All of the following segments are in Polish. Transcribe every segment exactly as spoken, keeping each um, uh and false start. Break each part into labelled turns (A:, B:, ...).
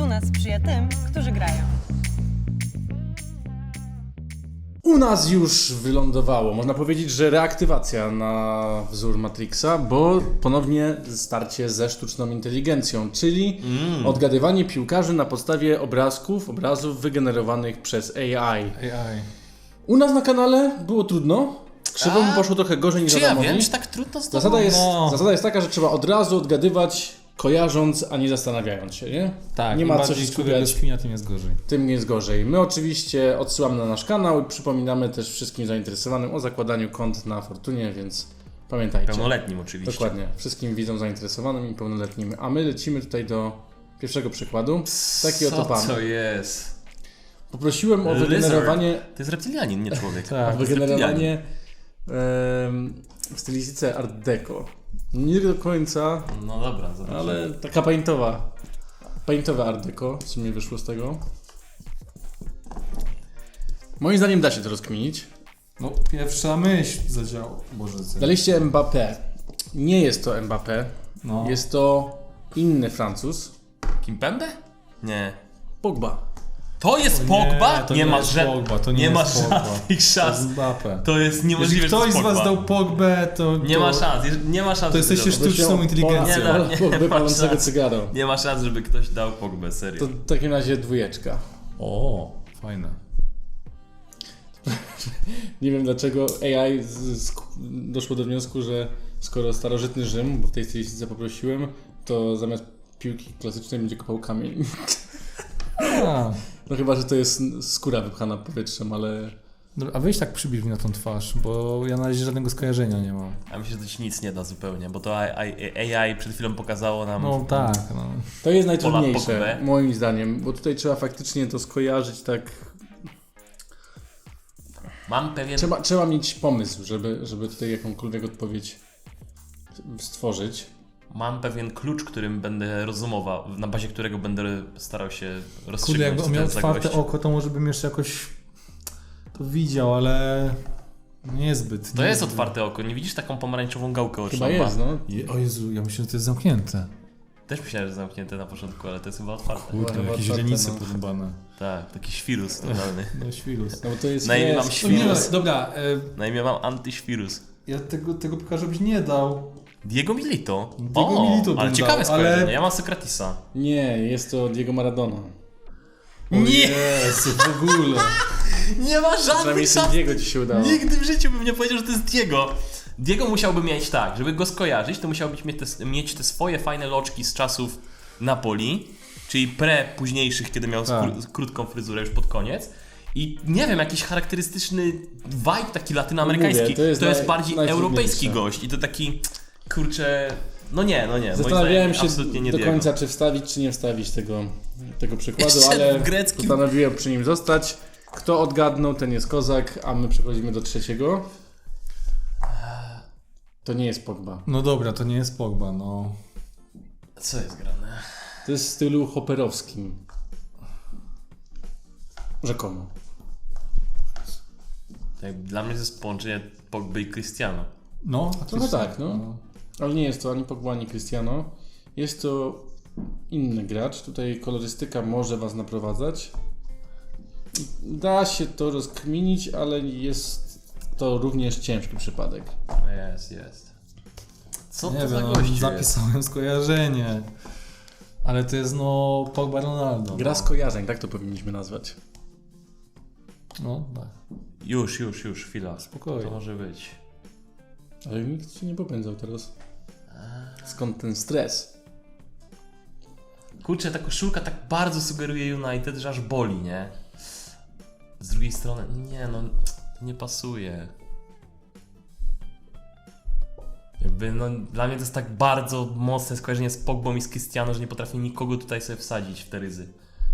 A: Fortuna sprzyja tym, którzy grają.
B: U nas już wylądowało, można powiedzieć, że reaktywacja na wzór Matrixa, bo ponownie starcie ze sztuczną inteligencją, czyli mm. odgadywanie piłkarzy na podstawie obrazków, obrazów wygenerowanych przez A I.
C: A I.
B: U nas na kanale było trudno, Krzywomu
D: A?
B: poszło trochę gorzej niż
D: Czy ja
B: Adamowi.
D: wiem, czy tak trudno z tobą?
B: Zasada jest,
C: No.
B: zasada jest taka, że trzeba od razu odgadywać, kojarząc, a nie zastanawiając się, nie?
C: Tak,
B: nie
C: im
B: ma co
C: bardziej
B: się
C: człowiek
B: skupiać.
C: rozkminia, tym jest gorzej.
B: Tym jest gorzej. My oczywiście odsyłamy na nasz kanał i przypominamy też wszystkim zainteresowanym o zakładaniu kont na Fortunie, więc pamiętajcie.
D: Pełnoletnim oczywiście.
B: Dokładnie. Wszystkim widzom zainteresowanym i pełnoletnim. A my lecimy tutaj do pierwszego przykładu. Taki oto
D: Co
B: pan.
D: to jest?
B: Poprosiłem o
D: Lizard.
B: wygenerowanie,
D: To jest reptilianin, nie człowiek.
C: Tak.
B: o wygenerowanie em, w stylistyce Art Deco. Nie do końca,
D: No dobra, zobaczymy.
B: ale taka paintowa. Paintowe Art Deco, w sumie wyszło z tego. Moim zdaniem da się to rozkminić.
C: No, pierwsza myśl zadziała. Boże, co?
B: Daliście Mbappé. Nie jest to Mbappé.
C: No.
B: Jest to inny Francuz.
D: Kimpembe? Nie.
B: Pogba.
D: To jest
C: Nie,
D: Pogba?
C: to
D: Nie,
C: nie
D: ma
C: jest
D: ża-
C: Pogba, to nie
D: nie
C: jest
D: ma
C: Pogba.
D: żadnych
C: To jest
D: szans.
C: Mbappé.
D: To jest niemożliwe,
C: Jeżeli
D: że to
C: ktoś
D: jest
C: z was
D: Pogba.
C: dał Pogbę, to...
D: Nie
C: to,
D: ma szans, jeż- nie ma szans.
C: To
D: żeby
C: jesteście
D: dał.
C: sztuczną inteligencją.
D: Nie da- nie
B: Pogby
D: ma
B: palącego
D: szans.
B: cygaro.
D: Nie ma szans, żeby ktoś dał Pogbę, serio.
B: To w takim razie dwójeczka.
C: O, fajne.
B: Nie wiem dlaczego A I z, z, doszło do wniosku, że skoro starożytny Rzym, bo w tej stylistyce poprosiłem, to zamiast piłki klasycznej będzie kopał kamień.
C: A,
B: No chyba, że to jest skóra wypchana powietrzem, ale...
C: dobra, a weź tak przybliż mi na tą twarz, bo ja na razie żadnego skojarzenia nie mam.
D: A myślę, że to ci nic nie da zupełnie, bo to A I, A I przed chwilą pokazało nam...
C: No tak, no.
B: To jest
D: Pola
B: najtrudniejsze,
D: Pogbę.
B: moim zdaniem, bo tutaj trzeba faktycznie to skojarzyć tak...
D: Mam pewien...
B: Trzeba, trzeba mieć pomysł, żeby, żeby tutaj jakąkolwiek odpowiedź stworzyć.
D: Mam pewien klucz, którym będę rozumował, na bazie którego będę starał się rozstrzygnąć.
C: Kurde, jakby on
D: co to
C: miał
D: jest za
C: otwarte
D: gość.
C: oko, to może bym jeszcze jakoś to widział, ale niezbyt.
D: To jest
C: niezbyt.
D: otwarte oko, nie widzisz taką pomarańczową gałkę oczną?
B: Chyba jest, no.
C: Je, o Jezu, ja myślę, że to jest zamknięte.
D: Też myślałem, że zamknięte na początku, ale to jest chyba otwarte.
C: Kurde,
B: Chyba
C: jakieś
B: otwarte,
C: źrenice
B: no.
C: porąbane.
D: Tak, taki świrus totalny.
C: No świrus.
B: No bo to jest...
D: Na imię
B: jest-
D: mam
C: No nie, no,
D: świrus.
C: dobra, e,
D: Na imię mam antyświrus.
C: ja tego, tego piłkarza byś nie dał.
D: Diego Milito.
C: Diego
D: o,
C: Milito bym
D: ale
C: dał,
D: ciekawe
C: ale-
D: skojarzenie. Ja mam Sokratisa.
B: Nie, jest to Diego Maradona.
C: O
D: Nie!
C: Jezu, w ogóle.
D: Nie ma
B: Przynajmniej
D: żadnych
B: z
D: szans.
B: Diego ci się udało.
D: Nigdy w życiu bym nie powiedział, że to jest Diego. Diego musiałby mieć tak, żeby go skojarzyć, to musiałby mieć te, mieć te swoje fajne loczki z czasów Napoli, czyli pre późniejszych, kiedy miał
C: Tak.
D: skró- krótką fryzurę już pod koniec. I nie wiem, jakiś charakterystyczny vibe taki latynoamerykański.
B: Mówię,
D: to
B: to
D: jest,
B: jest naj-
D: bardziej
B: najtrudniejsze.
D: europejski gość i to taki, kurczę, no nie, no nie. moim
B: Zastanawiałem
D: zdaniem
B: się
D: absolutnie nie
B: do
D: Diego.
B: końca, czy wstawić, czy nie wstawić tego, tego przykładu,
D: Jeszcze
B: ale
D: grecki.
B: postanowiłem przy nim zostać. Kto odgadnął, ten jest kozak, a my przechodzimy do trzeciego. To nie jest Pogba.
C: No dobra, to nie jest Pogba, no.
D: Co jest grane?
B: To jest w stylu hopperowskim. Rzekomo.
D: Tak, dla mnie to jest połączenie Pogby i Cristiano.
C: No,
B: Trochę tak, no. Ale nie jest to ani Pogba, ani Cristiano. Jest to inny gracz. Tutaj kolorystyka może was naprowadzać. Da się to rozkminić, ale jest to również ciężki przypadek.
D: Jest, jest. Co
C: Nie
D: to za
C: wiem, no,
D: gościu jest?
C: zapisałem skojarzenie. Ale to jest no Pogba Ronaldo.
B: Gra
C: no.
B: skojarzeń, tak to powinniśmy nazwać.
C: No, tak.
D: Już, już, już, chwila.
C: Spokojnie.
D: To może być.
B: Ale nikt się nie popędzał teraz. Skąd ten stres?
D: Kurczę, ta koszulka tak bardzo sugeruje United, że aż boli, nie? Z drugiej strony, nie no, to nie pasuje. Jakby, no, dla mnie to jest tak bardzo mocne skojarzenie z Pogbą i z Cristiano, że nie potrafię nikogo tutaj sobie wsadzić w te ryzy.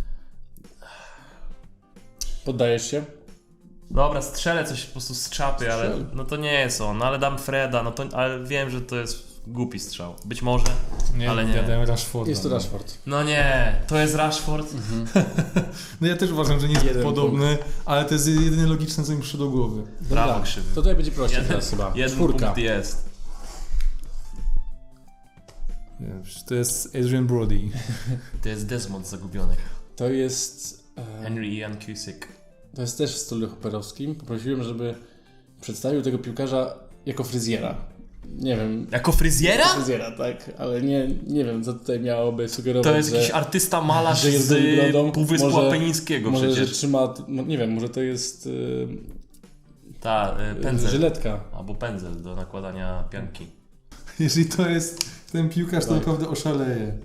B: Poddajesz się?
D: Dobra, strzelę coś po prostu z czapy, ale
B: Strzel.
D: no to nie jest on, no, ale dam Freda, no to, ale wiem, że to jest głupi strzał. Być może,
C: Nie,
D: ale
C: no,
D: nie.
C: ja dałem Rashforda.
B: Jest to
C: no.
B: Rashford.
D: No nie, to jest Rashford.
C: No ja też uważam, że nie jest
B: Jeden
C: podobny, ale to jest jedynie logiczne, co mi przyszło do głowy.
D: Brawo,
B: Dobra,
D: krzywy.
B: To tutaj będzie prościej
D: Jeden,
B: teraz chyba.
D: jeden
B: Czwórka.
D: punkt jest.
C: Nie, to jest Adrian Brody.
D: To jest Desmond z Zagubionych.
B: To jest... E,
D: Henry Ian Cusick.
B: to jest też w stylu hopperowskim. Poprosiłem, żeby przedstawił tego piłkarza jako fryzjera. Nie wiem...
D: Jako fryzjera?
B: Fryzjera, tak. Ale nie, nie wiem, co tutaj miałoby sugerować,
D: To jest
B: że...
D: jakiś artysta malarz
B: że jest
D: z
B: David Brodą.
D: Półwyspu
B: Może-
D: Apenińskiego
B: Może, że
D: przecież.
B: trzyma... no, nie wiem, może to jest... Yy,
D: Ta, y, pędzel.
B: żyletka.
D: Albo pędzel do nakładania pianki.
C: Jeżeli to jest ten piłkarz, to
B: Tak.
C: naprawdę oszaleje.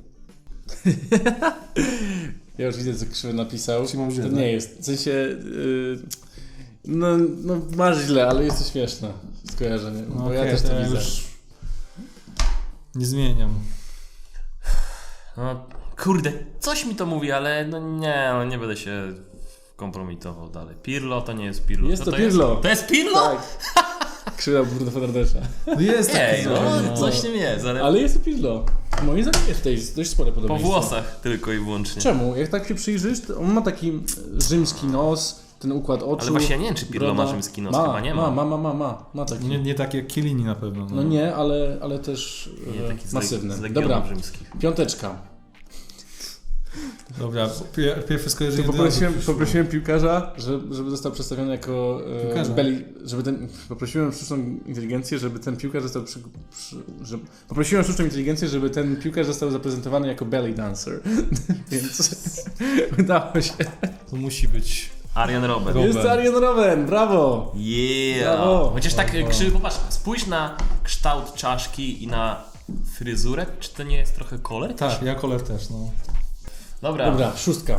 B: Ja już widzę, co Krzywy napisał.
C: Szymon źle,
B: To
C: tak?
B: nie jest. W sensie... Yy, no, no masz źle, ale jest to śmieszne skojarzenie.
C: No
B: bo ja
C: okej,
B: też to
C: ja
B: widzę.
C: już nie zmieniam.
D: No kurde, coś mi to mówi, ale no nie, no nie będę się kompromitował dalej. Pirlo to nie jest Pirlo.
B: Jest
D: Co
B: to Pirlo.
D: Jest? To jest Pirlo?
B: Tak. Krzywa Bruno Fernandesza.
C: No jest taki
D: Ej, no,
C: trochę,
D: coś w tym jest, ale,
B: Ale jest to Pirlo. Moim zdaniem jest tutaj dość spore
D: po
B: podobieństwo.
D: włosach tylko i wyłącznie.
B: Czemu? Jak tak się przyjrzysz, to on ma taki rzymski nos, ten układ oczu.
D: Ale właśnie ja nie wiem, czy Pirlo
B: broda.
D: ma rzymski nos,
B: ma,
D: chyba nie ma.
B: Ma, ma, ma, ma, ma taki.
C: Nie, nie tak jak Chiellini na pewno.
B: No nie, ale, ale też
D: Nie,
B: e,
D: taki z,
B: masywny.
D: z Legionów
B: Dobra,
D: rzymskich.
B: piąteczka.
C: Dobra, pier, pierwsze
B: To
C: skojarzenie
B: poprosiłem,
C: od razu
B: poprosiłem piłkarza, żeby, żeby został przedstawiony jako e,
C: Piłkarza?
B: belly, żeby ten, poprosiłem sztuczną inteligencję, żeby ten piłkarz został przy, przy, że, poprosiłem sztuczną inteligencję, żeby ten piłkarz został zaprezentowany jako belly dancer. Więc udało się.
C: To musi być.
D: Arian Robben.
C: Robben.
B: Jest Arjen Robben, brawo!
D: Yeah!
B: Brawo.
D: Chociaż tak
C: Brawo.
D: krzywy, popatrz, spójrz na kształt czaszki i na fryzurę. Czy to nie jest trochę kolor?
C: Tak, ja kolor też, no.
D: Dobra.
B: Dobra, szóstka.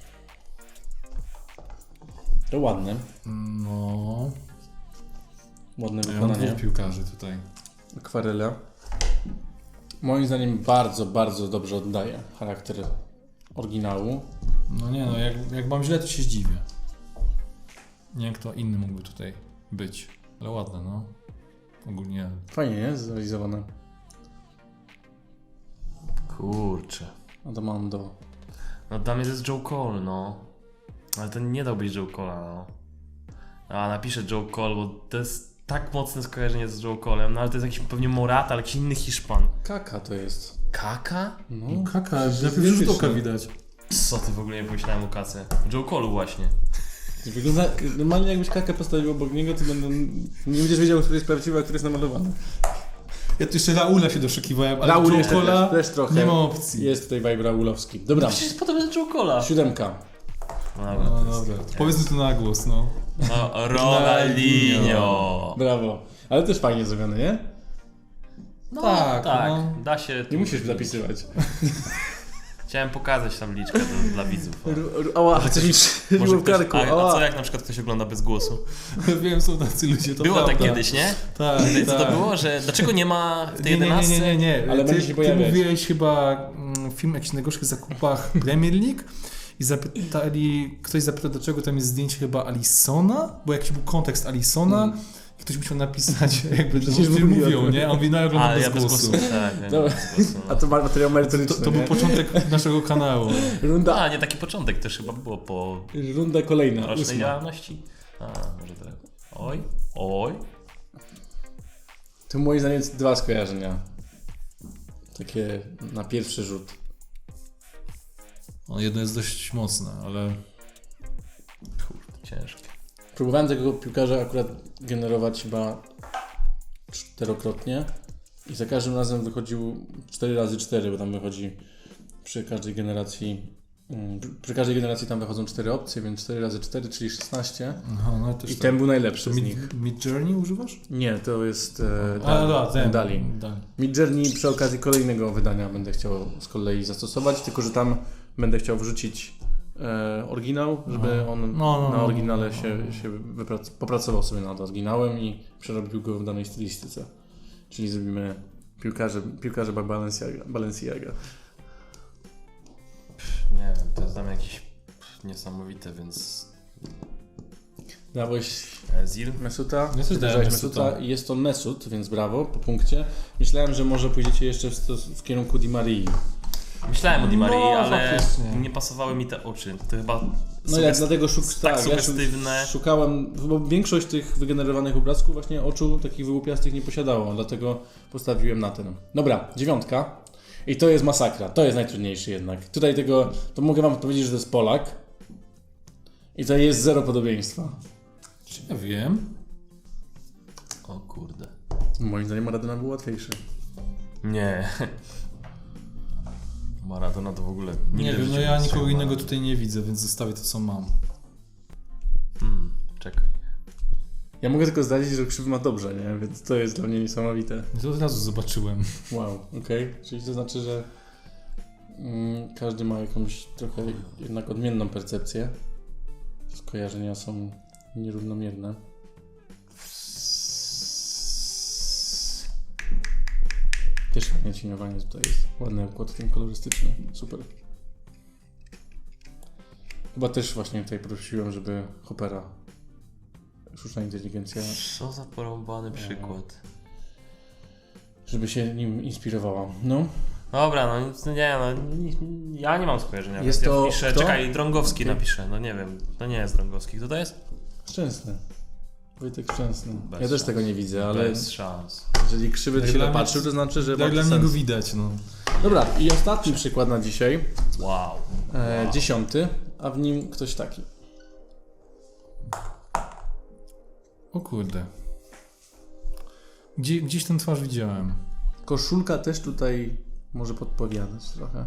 B: To ładne.
C: No.
B: Ładne
C: Ja mam
B: wykonanie.
C: dwóch piłkarzy tutaj.
B: Akwarela. Moim zdaniem bardzo, bardzo dobrze oddaje charakter oryginału.
C: No nie no, jak, jak mam źle, to się zdziwię. Nie wiem, kto inny mógłby tutaj być. Ale ładne, no. Ogólnie.
B: Fajnie, nie? Zrealizowane.
D: Kurczę.
B: Adamando.
D: No dla mnie to jest Joe Cole, no. Ale to nie dał być Joe Cole'a, no. A napiszę Joe Cole, bo to jest tak mocne skojarzenie z Joe Cole'em, no ale to jest jakiś pewnie Morata, ale jakiś inny Hiszpan.
B: Kaka to jest.
D: Kaka?
B: No.
C: Kaka,
B: Przecież
C: na pierwszy rzut
B: identyczne.
C: oka widać.
D: Co ty w ogóle nie pomyślałem o Kace? Joe Cole'u właśnie.
B: Wygląda, normalnie jakbyś kakę postawił obok niego, to będą, nie będziesz wiedział, który jest prawdziwy, a który jest namalowany.
C: Ja tu jeszcze Raula się doszukiwałem, ale
B: Raul
C: Joe
B: jeszcze
C: Cola
B: też, też trochę.
C: nie ma opcji.
B: Jest tutaj vibe raulowski. Dobra,
D: Przecież jest podobny do Joe Cole'a.
B: siódemka.
C: No dobra, powiedzmy to na głos, no.
D: No, Ronaldinho.
B: Brawo. Ale też fajnie zrobione, nie?
D: No,
C: Tak,
D: tak,
C: no.
D: da się.
B: Nie musisz zapisywać.
D: Chciałem pokazać tabliczkę do, dla widzów.
B: Ała, chcesz mi strzeliło
D: Może
B: w
D: ktoś,
B: karku.
D: a, a
B: Ała.
D: co jak na przykład ktoś ogląda bez głosu?
C: Wiem, są tacy ludzie, to
D: Było
C: prawda.
D: tak kiedyś, nie?
C: Tak,
D: I co to
C: tak.
D: było? Że dlaczego nie ma w tej
C: Nie, nie, nie,
D: jedenastce?
C: nie, nie, nie.
B: Ale
C: ty,
B: będzie się
C: ty
B: pojawiać.
C: mówiłeś chyba mm, film o jakichś najgorszych zakupach Premier League i zapytali, ktoś zapytał, dlaczego tam jest zdjęcie chyba Alisona, bo jakiś był kontekst Alisona.
B: Mm.
C: I ktoś musiał napisać, jakby to
B: Przecież
C: mówią,
B: mówiłem.
C: nie? A on mówi, no ja oglądam
D: A,
C: bez
D: ja bez
C: głosu.
D: głosu. Tak, ja
B: Dobra.
D: bez głosu.
B: A to ma materiał
C: To,
B: merytoryczny,
C: to był
B: nie?
C: początek naszego kanału.
B: Runda,
D: A, nie, taki początek też chyba było po
B: runda kolejna,
D: rocznej
B: ósma.
D: działalności. A, może tak. Oj, oj.
B: To moim zdaniem dwa skojarzenia. Takie na pierwszy rzut.
C: No, jedno jest dość mocne, ale
D: Kurde, ciężkie.
B: Próbowałem tego piłkarza akurat generować chyba czterokrotnie i za każdym razem wychodził cztery razy cztery, bo tam wychodzi przy każdej generacji mm, przy każdej generacji tam wychodzą cztery opcje, więc cztery razy cztery, czyli szesnaście.
C: aha, no też
B: I
C: tak.
B: ten był najlepszy
C: To
B: z
C: mid,
B: nich.
C: mid Journey używasz?
B: Nie, to jest e,
C: A,
B: Dali.
C: da, ten.
B: Dali.
C: Dali.
B: Mid Journey przy okazji kolejnego wydania będę chciał z kolei zastosować, tylko że tam będę chciał wrzucić e, oryginał, żeby
C: Aha.
B: on
C: No, no,
B: na
C: no,
B: oryginale
C: no, no,
B: się,
C: no.
B: się wyprac- popracował sobie nad oryginałem i przerobił go w danej stylistyce. Czyli zrobimy piłkarze, piłkarze Balenciaga. Balenciaga.
D: Nie wiem, to jest dla mnie jakieś pff, niesamowite, więc...
B: Dałeś
D: Ezil?
B: Mesuta?
C: Ja też
B: Ty
C: dałem
B: dałeś
C: Mesuta.
B: Mesuta i jest to Mesut, więc brawo, po punkcie. Myślałem, że może pójdziecie jeszcze w, stos- w kierunku Di Marii.
D: Myślałem o Di Marii,
C: No,
D: ale
C: faktycznie.
D: nie pasowały mi te oczy. To chyba...
B: No ja
D: sugest-
B: dlatego szuk-
D: tak
B: tak, ja
D: sugestywne.
B: szukałem, bo większość tych wygenerowanych obrazków właśnie oczu takich wyłupiastych nie posiadało, dlatego postawiłem na ten. Dobra, dziewiątka. I to jest masakra, to jest najtrudniejszy jednak. Tutaj tego, to mogę wam powiedzieć, że to jest Polak. I to jest zero podobieństwa.
C: Ja wiem.
D: O kurde.
B: Moim zdaniem Maradona był łatwiejszy.
D: Nie. Maradona to w ogóle
C: Nie
D: nigdy w
C: wiem, no
D: życiu
C: ja
D: nie
C: nikogo
D: strzelił.
C: innego tutaj nie widzę, więc zostawię to, co mam.
D: Hmm, czekaj.
B: Ja mogę tylko zdradzić, że Krzywy ma dobrze, nie? Więc to jest dla mnie niesamowite.
C: I to od razu zobaczyłem.
B: Wow, okej. Czyli to znaczy, że mm, każdy ma jakąś trochę jednak odmienną percepcję. Skojarzenia są nierównomierne. Też fajne cieniowanie tutaj jest. Ładny układ ten kolorystyczny. Super. Chyba też właśnie tutaj prosiłem, żeby Hoppera, sztuczna inteligencja,
D: Co za porąbany przykład.
B: żeby się nim inspirowała. No.
D: Dobra, no nic- nie, no nie- ja nie mam skojarzenia.
B: Jest
D: ja
B: to
D: wpiszę,
B: kto?
D: czekaj, Drągowski
B: Okej.
D: napiszę, no nie wiem, to nie jest Drągowski. Kto to jest?
B: Szczęsny. Wojtek Szczęsny.
D: Bez
B: ja też
D: szans.
B: tego nie widzę, ale
D: Bez szans.
B: jeżeli Krzywy
C: Jak
B: się
C: dla mnie-
B: napatrzył, to znaczy, że
C: Tak
B: ma
C: dla
B: to
C: mnie go
B: sens.
C: widać, no.
B: Dobra, i ostatni przykład na dzisiaj.
D: Wow.
B: E,
D: wow.
B: Dziesiąty, a w nim ktoś taki.
C: O kurde. Gdzie, gdzieś tę twarz widziałem.
B: Koszulka też tutaj może podpowiadać trochę.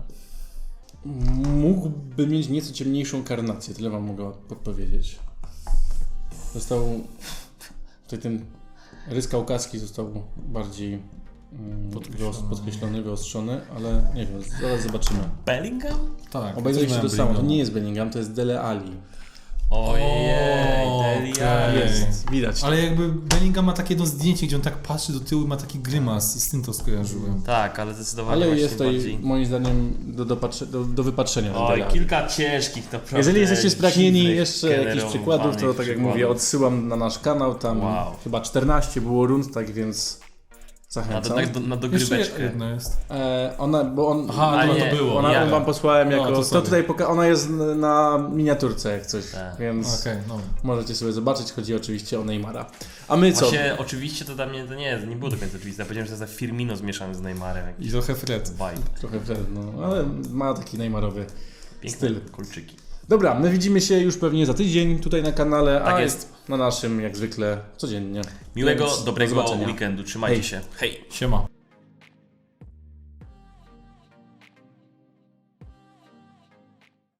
B: Mógłby mieć nieco ciemniejszą karnację, tyle wam mogę podpowiedzieć. Został... Tutaj ten rys kaukaski został bardziej mm,
C: Podkreślony.
B: wyos- podkreślony, wyostrzony, ale nie wiem, zaraz zobaczymy.
D: Bellingham?
C: Tak.
B: Obejrzeli się to
C: też
B: samo, to
C: miałem
B: nie jest Bellingham, to jest Dele Alli.
D: Ojej,
C: O,
D: Dele
C: okej.
D: Alli.
B: Jest, widać.
C: Ale jakby Bellingham ma takie jedno zdjęcie, gdzie on tak patrzy do tyłu i ma taki grymas i z tym to skojarzyłem.
D: Tak, ale zdecydowanie
B: Ale
D: właśnie
B: jest tutaj
D: bardziej...
B: moim zdaniem do, dopatrze- do, do wypatrzenia. ten
D: Oj,
B: Dele Alli.
D: kilka ciężkich naprawdę.
B: Jeżeli jesteście spragnieni
D: dziwnych,
B: jeszcze jakichś
D: generowanych
B: przykładów, to tak jak mówię,
D: przykładów.
B: odsyłam na nasz kanał, tam
D: Wow.
B: chyba czternaście było rund, tak więc
D: Na,
B: zachęcam.
D: do, na, do, na
C: Jeszcze
D: dogryweczkę.
C: jedno jest.
B: E, ona, bo on,
C: Aha,
D: A
C: no
D: nie,
C: to było.
B: ona
D: ja.
B: wam posłałem
C: No,
B: jako,
C: to
B: to,
C: sorry.
B: tutaj poka- ona jest na miniaturce jak coś,
D: Tak.
B: więc
C: Okej, no.
B: możecie sobie zobaczyć, chodzi oczywiście o Neymara. A my co?
D: Właśnie, oczywiście to dla mnie to nie jest, nie było do końca oczywiste. Ja powiedziałem, że to jest Firmino zmieszany z Neymarem. Jakiś
C: I trochę Fred.
D: vibe.
B: Trochę wtedy, no, ale ma taki Neymarowy
D: Piękne
B: styl.
D: kulczyki.
B: Dobra, my widzimy się już pewnie za tydzień tutaj na kanale,
D: Tak
B: a
D: jest.
B: na naszym jak zwykle codziennie.
D: Miłego,
B: Więc do
D: dobrego
B: zobaczenia.
D: weekendu. Trzymajcie
B: Hej.
D: się. Hej!
C: Siema.